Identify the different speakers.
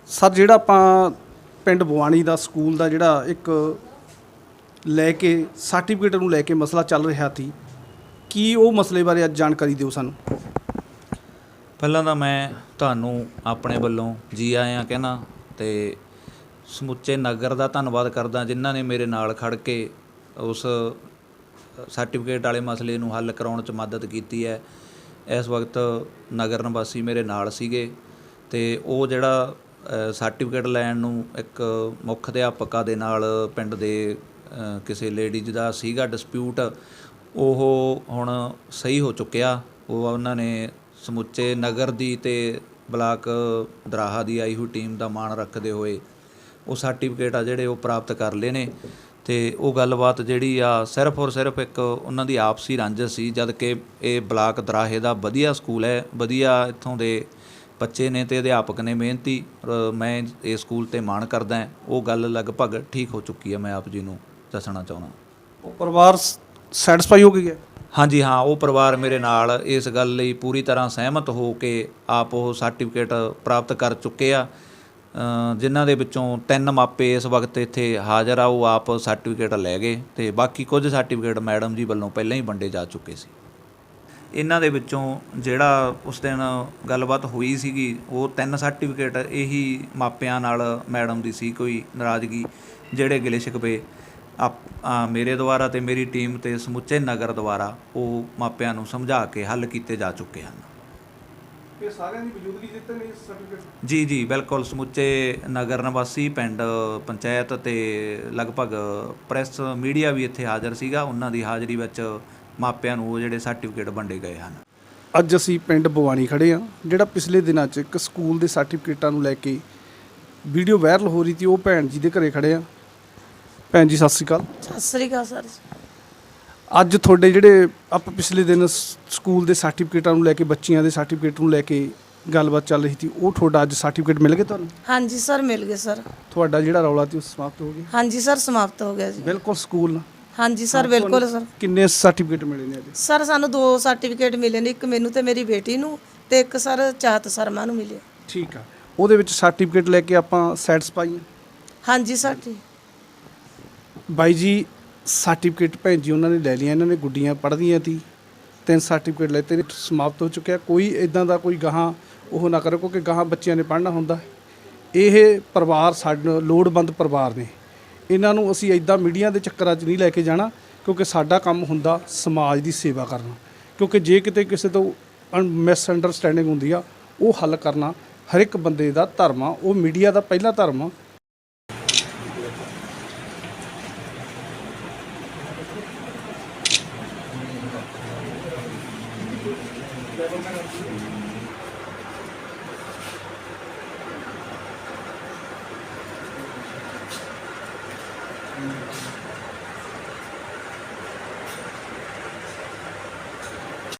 Speaker 1: Sir ਜਿਹੜਾ ਆਪਾਂ ਪਿੰਡ ਬਵਾਣੀ ਦਾ ਸਕੂਲ ਦਾ ਜਿਹੜਾ ਇੱਕ ਲੈ ਕੇ ਸਰਟੀਫਿਕੇਟ ਨੂੰ ਲੈ ਕੇ ਮਸਲਾ ਚੱਲ ਰਿਹਾ ਸੀ, ਕੀ ਉਹ ਮਸਲੇ ਬਾਰੇ ਅੱਜ ਜਾਣਕਾਰੀ ਦਿਓ ਸਾਨੂੰ।
Speaker 2: ਪਹਿਲਾਂ ਤਾਂ ਮੈਂ ਤੁਹਾਨੂੰ ਆਪਣੇ ਵੱਲੋਂ ਜੀ ਆਇਆਂ ਕਹਿਣਾ ਅਤੇ ਸਮੁੱਚੇ ਨਗਰ ਦਾ ਧੰਨਵਾਦ ਕਰਦਾ ਜਿਨ੍ਹਾਂ ਨੇ ਮੇਰੇ ਨਾਲ ਖੜ੍ਹ ਕੇ ਉਸ ਸਰਟੀਫਿਕੇਟ ਵਾਲੇ ਮਸਲੇ ਨੂੰ ਹੱਲ ਕਰਾਉਣ 'ਚ ਮਦਦ ਕੀਤੀ ਹੈ। ਇਸ ਵਕਤ ਨਗਰ ਨਿਵਾਸੀ ਮੇਰੇ ਨਾਲ ਸੀਗੇ ਅਤੇ ਉਹ ਜਿਹੜਾ ਸਰਟੀਫਿਕੇਟ ਲੈਣ ਨੂੰ ਇੱਕ ਮੁੱਖ ਅਧਿਆਪਕਾ ਦੇ ਨਾਲ ਪਿੰਡ ਦੇ ਕਿਸੇ ਲੇਡੀਜ਼ ਦਾ ਸੀਗਾ ਡਿਸਪਿਊਟ, ਉਹ ਹੁਣ ਸਹੀ ਹੋ ਚੁੱਕਿਆ। ਉਹ ਉਹਨਾਂ ਨੇ ਸਮੁੱਚੇ ਨਗਰ ਦੀ ਅਤੇ ਬਲਾਕ ਦਰਾਹਾ ਦੀ ਆਈ ਹੋਈ ਟੀਮ ਦਾ ਮਾਣ ਰੱਖਦੇ ਹੋਏ ਉਹ ਸਰਟੀਫਿਕੇਟ ਆ ਜਿਹੜੇ ਉਹ ਪ੍ਰਾਪਤ ਕਰ ਲਏ ਨੇ। ਅਤੇ ਉਹ ਗੱਲਬਾਤ ਜਿਹੜੀ ਆ ਸਿਰਫ ਔਰ ਸਿਰਫ ਇੱਕ ਉਹਨਾਂ ਦੀ ਆਪਸੀ ਰੰਜਿਸ਼ ਸੀ, ਜਦ ਕਿ ਇਹ ਬਲਾਕ ਦਰਾਹੇ ਦਾ ਵਧੀਆ ਸਕੂਲ ਹੈ, ਵਧੀਆ ਇੱਥੋਂ ਦੇ ਬੱਚੇ ਨੇ ਅਤੇ ਅਧਿਆਪਕ ਨੇ ਮਿਹਨਤੀ। ਮੈਂ ਇਹ ਸਕੂਲ 'ਤੇ ਮਾਣ ਕਰਦਾ। ਉਹ ਗੱਲ ਲਗਭਗ ਠੀਕ ਹੋ ਚੁੱਕੀ ਹੈ, ਮੈਂ ਆਪ ਜੀ ਨੂੰ ਦੱਸਣਾ ਚਾਹੁੰਦਾ।
Speaker 1: ਉਹ ਪਰਿਵਾਰ ਸੈਟੀਸਫਾਈ ਹੋ ਗਿਆ?
Speaker 2: ਹਾਂਜੀ ਹਾਂ, ਉਹ ਪਰਿਵਾਰ ਮੇਰੇ ਨਾਲ ਇਸ ਗੱਲ ਲਈ ਪੂਰੀ ਤਰ੍ਹਾਂ ਸਹਿਮਤ ਹੋ ਕੇ ਆਪ ਉਹ ਸਰਟੀਫਿਕੇਟ ਪ੍ਰਾਪਤ ਕਰ ਚੁੱਕੇ ਆ। ਜਿਨ੍ਹਾਂ ਦੇ ਵਿੱਚੋਂ 3 ਮਾਪੇ ਇਸ ਵਕਤ ਇੱਥੇ ਹਾਜ਼ਰ ਆ, ਉਹ ਆਪ ਸਰਟੀਫਿਕੇਟ ਲੈ ਗਏ ਅਤੇ ਬਾਕੀ ਕੁਝ ਸਰਟੀਫਿਕੇਟ ਮੈਡਮ ਜੀ ਵੱਲੋਂ ਪਹਿਲਾਂ ਹੀ ਵੰਡੇ ਜਾ ਚੁੱਕੇ ਸੀ। ਇਹਨਾਂ ਦੇ ਵਿੱਚੋਂ ਜਿਹੜਾ ਉਸ ਦਿਨ ਗੱਲਬਾਤ ਹੋਈ ਸੀਗੀ, ਉਹ 3 ਸਰਟੀਫਿਕੇਟ ਇਹੀ ਮਾਪਿਆਂ ਨਾਲ ਮੈਡਮ ਦੀ ਸੀ ਕੋਈ ਨਾਰਾਜ਼ਗੀ, ਜਿਹੜੇ ਗਿਲੇ ਸ਼ਿਕਵੇ ਮੇਰੇ ਦੁਆਰਾ ਅਤੇ ਮੇਰੀ ਟੀਮ ਅਤੇ ਸਮੁੱਚੇ ਨਗਰ ਦੁਆਰਾ ਉਹ ਮਾਪਿਆਂ ਨੂੰ ਸਮਝਾ ਕੇ ਹੱਲ ਕੀਤੇ ਜਾ ਚੁੱਕੇ ਹਨ।
Speaker 1: ਇਹ ਸਾਰਿਆਂ ਦੀ ਮੌਜੂਦਗੀ ਦਿੱਤੇ ਨੇ ਸਰਟੀਫਿਕੇਟ? ਜੀ
Speaker 2: ਜੀ ਬਿਲਕੁਲ, ਸਮੁੱਚੇ ਨਗਰ ਨਿਵਾਸੀ, ਪਿੰਡ ਪੰਚਾਇਤ ਅਤੇ ਲਗਭਗ ਪ੍ਰੈਸ ਮੀਡੀਆ ਵੀ ਇੱਥੇ ਹਾਜ਼ਰ ਸੀਗਾ। ਉਹਨਾਂ ਦੀ ਹਾਜ਼ਰੀ ਵਿੱਚ ਮਾਪਿਆਂ ਨੂੰ ਉਹ ਜਿਹੜੇ ਸਰਟੀਫਿਕੇਟ ਵੰਡੇ ਗਏ ਹਨ।
Speaker 1: ਅੱਜ ਅਸੀਂ ਪਿੰਡ ਬਵਾਣੀ ਖੜ੍ਹੇ ਹਾਂ, ਜਿਹੜਾ ਪਿਛਲੇ ਦਿਨਾਂ 'ਚ ਇੱਕ ਸਕੂਲ ਦੇ ਸਰਟੀਫਿਕੇਟਾਂ ਨੂੰ ਲੈ ਕੇ ਵੀਡੀਓ ਵਾਇਰਲ ਹੋ ਰਹੀ ਸੀ। ਉਹ ਭੈਣ ਜੀ ਦੇ ਘਰੇ ਖੜ੍ਹੇ ਹਾਂ। ਭੈਣ ਜੀ ਸਤਿ ਸ਼੍ਰੀ ਅਕਾਲ।
Speaker 3: ਸਤਿ ਸ਼੍ਰੀ ਅਕਾਲ ਸਰ।
Speaker 1: ਅੱਜ ਤੁਹਾਡੇ ਜਿਹੜੇ ਆਪਾਂ ਪਿਛਲੇ ਦਿਨ ਸਕੂਲ ਦੇ ਸਰਟੀਫਿਕੇਟਾਂ ਨੂੰ ਲੈ ਕੇ, ਬੱਚੀਆਂ ਦੇ ਸਰਟੀਫਿਕੇਟ ਨੂੰ ਲੈ ਕੇ ਗੱਲਬਾਤ ਚੱਲ ਰਹੀ ਸੀ, ਉਹ ਤੁਹਾਡਾ ਅੱਜ ਸਰਟੀਫਿਕੇਟ ਮਿਲ ਗਏ ਤੁਹਾਨੂੰ?
Speaker 3: ਹਾਂਜੀ ਸਰ, ਮਿਲ ਗਏ ਸਰ।
Speaker 1: ਤੁਹਾਡਾ ਜਿਹੜਾ ਰੌਲਾ ਸੀ ਉਹ ਸਮਾਪਤ ਹੋ ਗਿਆ?
Speaker 3: ਹਾਂਜੀ ਸਰ, ਸਮਾਪਤ ਹੋ ਗਿਆ ਜੀ।
Speaker 1: ਬਿਲਕੁਲ ਸਕੂਲ ਨਾਲ?
Speaker 3: ਹਾਂਜੀ ਸਰ, ਬਿਲਕੁਲ ਸਰ।
Speaker 1: ਕਿੰਨੇ ਸਰਟੀਫਿਕੇਟ ਮਿਲੇ ਨੇ ਅੱਜ?
Speaker 3: ਸਰ ਸਾਨੂੰ 2 ਸਰਟੀਫਿਕੇਟ ਮਿਲੇ ਨੇ, ਇੱਕ ਮੈਨੂੰ ਤੇ ਮੇਰੀ ਬੇਟੀ ਨੂੰ, ਤੇ ਇੱਕ ਸਰ ਚਾਹਤ ਸ਼ਰਮਾ ਨੂੰ ਮਿਲਿਆ।
Speaker 1: ਠੀਕ ਆ, ਉਹਦੇ ਵਿੱਚ ਸਰਟੀਫਿਕੇਟ ਲੈ ਕੇ ਆਪਾਂ ਸੈਟੀਸਫਾਈ ਹਾਂ?
Speaker 3: ਹਾਂਜੀ ਸਰ। ਠੀਕ
Speaker 1: ਬਾਈ ਜੀ, ਸਰਟੀਫਿਕੇਟ ਭੈਣ ਜੀ ਉਹਨਾਂ ਨੇ ਲੈ ਲਿਆ, ਇਹਨਾਂ ਨੇ ਗੁੱਡੀਆਂ ਪੜ੍ਹਦੀਆਂ ਸੀ, 3 ਸਰਟੀਫਿਕੇਟ ਲੈਤੇ ਨੇ, ਸਮਾਪਤ ਹੋ ਚੁੱਕਿਆ। ਕੋਈ ਇੱਦਾਂ ਦਾ ਕੋਈ ਗਾਹਾਂ ਉਹ ਨਾ ਕਰੋ, ਕਿਉਂਕਿ ਗਾਹਾਂ ਬੱਚਿਆਂ ਨੇ ਪੜ੍ਹਨਾ ਹੁੰਦਾ। ਇਹ ਪਰਿਵਾਰ ਸਾਡੇ ਲੋੜਵੰਦ ਪਰਿਵਾਰ ਨੇ, ਇਹਨਾਂ ਨੂੰ ਅਸੀਂ ਇੱਦਾਂ ਮੀਡੀਆ ਦੇ ਚੱਕਰਾਂ 'ਚ ਨਹੀਂ ਲੈ ਕੇ ਜਾਣਾ, ਕਿਉਂਕਿ ਸਾਡਾ ਕੰਮ ਹੁੰਦਾ ਸਮਾਜ ਦੀ ਸੇਵਾ ਕਰਨਾ। ਕਿਉਂਕਿ ਜੇ ਕਿਤੇ ਕਿਸੇ ਤੋਂ ਮਿਸ ਅੰਡਰਸਟੈਂਡਿੰਗ ਹੁੰਦੀ ਆ, ਉਹ ਹੱਲ ਕਰਨਾ ਹਰ ਇੱਕ ਬੰਦੇ ਦਾ ਧਰਮ ਆ, ਉਹ ਮੀਡੀਆ ਦਾ ਪਹਿਲਾ ਧਰਮ ਆ।